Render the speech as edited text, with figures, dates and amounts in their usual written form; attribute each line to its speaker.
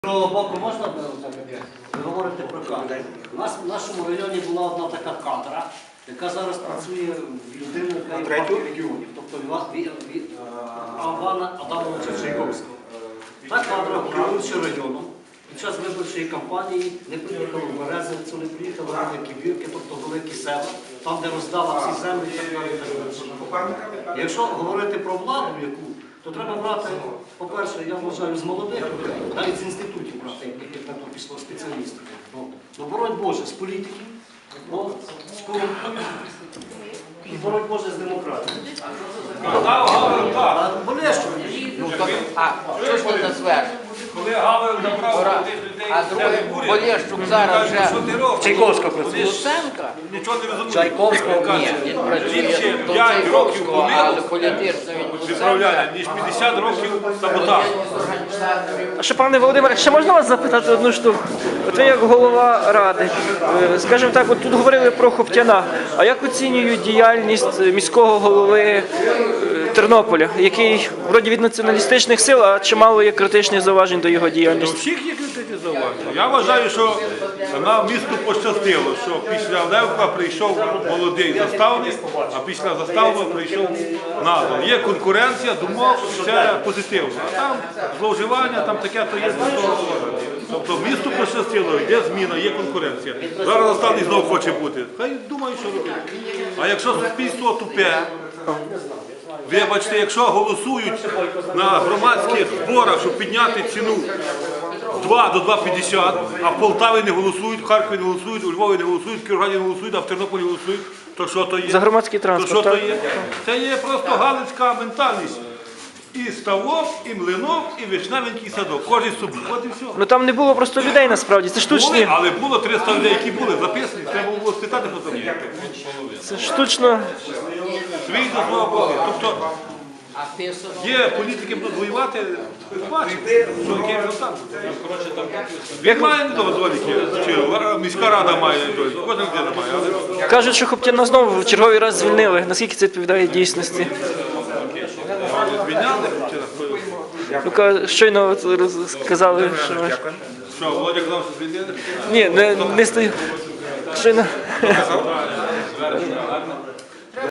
Speaker 1: Про боку можна говорити про кадри? У нас в нашому районі була одна така кадра, яка зараз працює в людину, яка є в партії регіонів, тобто Івана Адамовича Чайковського. Та кадра, керуючи районом, під час виборчої кампанії не приїхали в Березницю, не приїхали в Великі Бірки, тобто великі села, там, де роздала всі землі і так далі. Якщо говорити про владу, яку, то треба брати, по-перше, я вважаю, з молодих людей, навіть з інститутів брати, яких на то пішло спеціалістів. Ну, боронь Боже, з політиків, з корупцією і боронь Боже з демократією. Болещо.
Speaker 2: Що ж ти назвеш?
Speaker 3: Коли Гавел забрав тих людей,
Speaker 2: А другий Полєщук зараз вже
Speaker 1: Чайковська працює.
Speaker 2: Луценка?
Speaker 3: нічого не розуміє.
Speaker 1: Чайковського.
Speaker 2: Ні, він
Speaker 3: Він
Speaker 2: працює
Speaker 3: ще
Speaker 2: до
Speaker 3: 5 років
Speaker 2: Чайковського, але
Speaker 3: помилок
Speaker 2: політично він Луценка.
Speaker 3: відправляє, ніж 50 років саботажу.
Speaker 4: А ще, пане Володимире, ще можна вас запитати одну штуку? От ви як голова ради, скажімо так, от тут говорили про Хоптяна. А як оцінюють діяльність міського голови Тернополя, який вроді від націоналістичних сил, а чимало є критичних зауважень до його
Speaker 3: У
Speaker 4: діяльності?
Speaker 3: всіх є критичні зауваження. Я вважаю, що нам місту пощастило, що після Левка прийшов молодий заставник, а після заставного прийшов Назар. Є конкуренція, думок, все позитивно. А там зловживання, там таке, то є з того. Тобто місту пощастило, йде зміна, є конкуренція. Зараз заставник знову хоче бути. Хай думає, що робити. А якщо суспільство тупе, вибачте, якщо голосують на громадських зборах, щоб підняти ціну 2 до 2,50, а в Полтаві не голосують, в Харкові не голосують, у Львові не голосують, в Кіровограді не голосують, а в Тернополі голосують, то що то є?
Speaker 4: За громадський
Speaker 3: То що
Speaker 4: транспорт,
Speaker 3: то
Speaker 4: так?
Speaker 3: є? Це є просто галицька ментальність. І ставок, і млинок, і вишневенький садок. Кожен собі. От і все.
Speaker 4: Ну там не було просто людей насправді, це
Speaker 3: Були,
Speaker 4: штучні.
Speaker 3: але було 300 людей, які були записані, треба було спитати, хто там є.
Speaker 4: Це штучно.
Speaker 3: Свій до свого Бога. Тобто
Speaker 2: А ти собі?
Speaker 3: є політики будуть воювати, бачите, що який результат. Він має недоліки, чи міська рада має недоліки, кожна людина має. Але
Speaker 4: Кажуть, що Хоптяна знову в черговий раз звільнили. Наскільки це відповідає дійсності?
Speaker 3: звільняли,
Speaker 4: Ну, щойно от сказали, що...
Speaker 3: що Володя казав, що звільнили?
Speaker 4: Ні, не стою. Щойно...